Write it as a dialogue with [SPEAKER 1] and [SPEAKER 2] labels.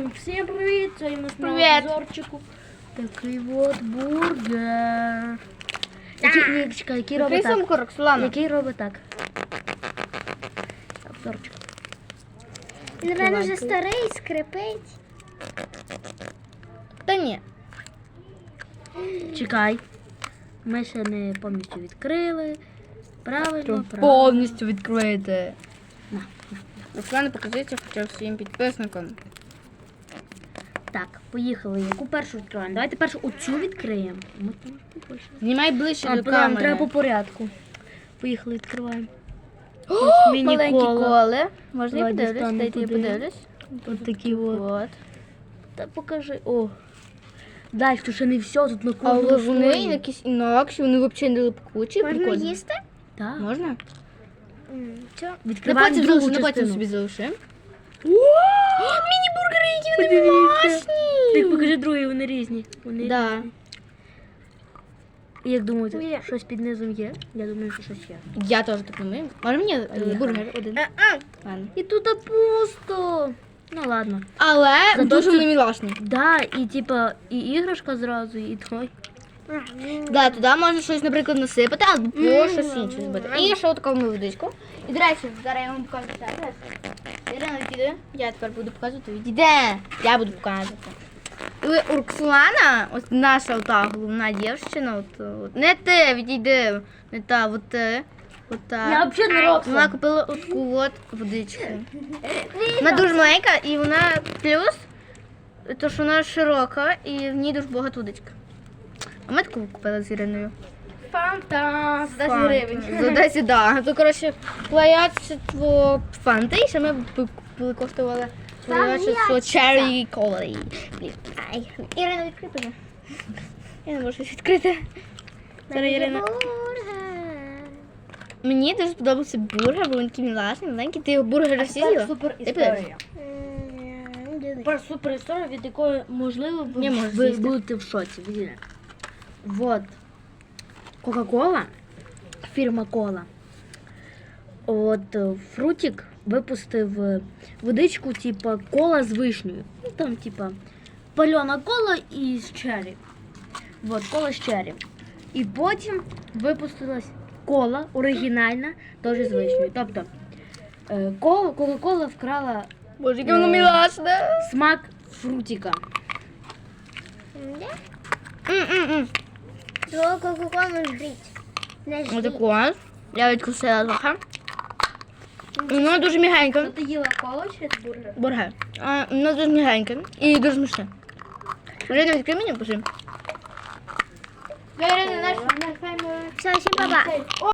[SPEAKER 1] Всім привіт! Це у нас на
[SPEAKER 2] Привіт.
[SPEAKER 1] обзорчику. Такий от бургер. Який, чекай, який робить так?
[SPEAKER 2] Сумку, Роксолана.
[SPEAKER 1] Який робить так? Обзорчик.
[SPEAKER 3] Він, напевно, вже старий, скрипить.
[SPEAKER 2] Та ні.
[SPEAKER 1] Чекай. Ми ще не повністю відкрили. Правильно, правильно.
[SPEAKER 2] Повністю відкрити.
[SPEAKER 1] На.
[SPEAKER 2] Роксолана, покажіть хоча б своїм підписникам.
[SPEAKER 1] Так, поїхали. Яку першу відкриваємо? Давайте першу оцю відкриємо. Ми там побольше.
[SPEAKER 2] Знімай ближче
[SPEAKER 1] А,
[SPEAKER 2] до
[SPEAKER 1] треба
[SPEAKER 2] камери.
[SPEAKER 1] по порядку. Поїхали, відкриваємо.
[SPEAKER 2] О,
[SPEAKER 1] Міні
[SPEAKER 2] маленькі
[SPEAKER 1] кола.
[SPEAKER 2] коли. Можна я
[SPEAKER 1] Давай
[SPEAKER 2] подивлюсь?
[SPEAKER 1] дістану
[SPEAKER 2] Дайте я
[SPEAKER 1] туди.
[SPEAKER 2] подивлюсь.
[SPEAKER 1] Ось такі от.
[SPEAKER 2] От.
[SPEAKER 1] Та покажи. О. Дай, що ще не все, тут на
[SPEAKER 2] Але
[SPEAKER 1] кожному
[SPEAKER 2] вони
[SPEAKER 1] слої.
[SPEAKER 2] якісь інакші, вони взагалі не липкучі.
[SPEAKER 3] Можна
[SPEAKER 2] прикольні.
[SPEAKER 3] їсти?
[SPEAKER 1] Так.
[SPEAKER 2] Можна?
[SPEAKER 3] Що?
[SPEAKER 2] На
[SPEAKER 1] Відкриваємо
[SPEAKER 2] потім
[SPEAKER 1] другу
[SPEAKER 2] залишимо, на потім
[SPEAKER 1] частину.
[SPEAKER 2] собі залишимо. Міні-бургери, які вони
[SPEAKER 1] Подивіться.
[SPEAKER 2] домашні!
[SPEAKER 1] Так, покажи другі, вони різні. Вони
[SPEAKER 2] Да.
[SPEAKER 1] різні. Як думаєте,
[SPEAKER 3] Є.
[SPEAKER 1] щось під низом є? Я думаю, що щось є.
[SPEAKER 2] Я теж так думаю. Може мені
[SPEAKER 1] Поїхали.
[SPEAKER 2] бургер один? Ладно.
[SPEAKER 1] І тут пусто. Ну ладно.
[SPEAKER 2] Але
[SPEAKER 1] Зато
[SPEAKER 2] дуже
[SPEAKER 1] тут-
[SPEAKER 2] вони мілашні.
[SPEAKER 1] Да, і типа, і іграшка зразу, і той.
[SPEAKER 2] Да, туди можна щось, наприклад, насипати, або щось інше зробити. І ще таку водичку. І, до речі, зараз я вам покажу ще раз. Ірина, відійди. Я тепер буду показувати. Відійде. Я буду показувати. І Роксолана, ось наша ота головна дівчина, от, не ти, відійди, не та, от ти. От та.
[SPEAKER 1] Я взагалі не Рокса.
[SPEAKER 2] Вона купила таку от водичку. Вона дуже маленька і вона плюс, то що вона широка і в ній дуже багато водички. А ми таку купили з Іриною.
[SPEAKER 3] Фанта.
[SPEAKER 2] За 10 гривень. За 10, да. То, коротше, плаячество фанти, і ще ми купили, коштували плаячество Cherry Cola. Блін. Ай, Ірина, відкрий, будь. Я не можу щось відкрити. Зараз Ірина. Мені дуже сподобався бургер, бо він такий мілашний, маленький. Ти його бургер всі з'їла?
[SPEAKER 1] Супер
[SPEAKER 2] Ти подивись.
[SPEAKER 1] історія. Тепер супер історія, від якої, можливо,
[SPEAKER 2] Не можеш
[SPEAKER 1] ви
[SPEAKER 2] з'їсти.
[SPEAKER 1] будете в шоці. Видите? Вот. Кока-кола, фірма Кола. От Фрутік випустив водичку, типа кола з вишнею. Ну там, типа, пальона кола і з черрі. Вот, кола з черрі. І потім випустилась кола оригінальна, теж з вишнею. Тобто, Кока-кола вкрала
[SPEAKER 2] Боже, яке воно мілашне.
[SPEAKER 1] смак фрутіка.
[SPEAKER 3] Свого кока-колу жріть. Не жріть.
[SPEAKER 2] Отаку. Я відкусила трохи. Воно дуже м'ягеньке.
[SPEAKER 3] Ти їла коло чи бургер?
[SPEAKER 2] Бургер. Воно дуже м'ягеньке і дуже смачне. Ірина, відкрий мені, пожи.
[SPEAKER 3] Все, всім па-па.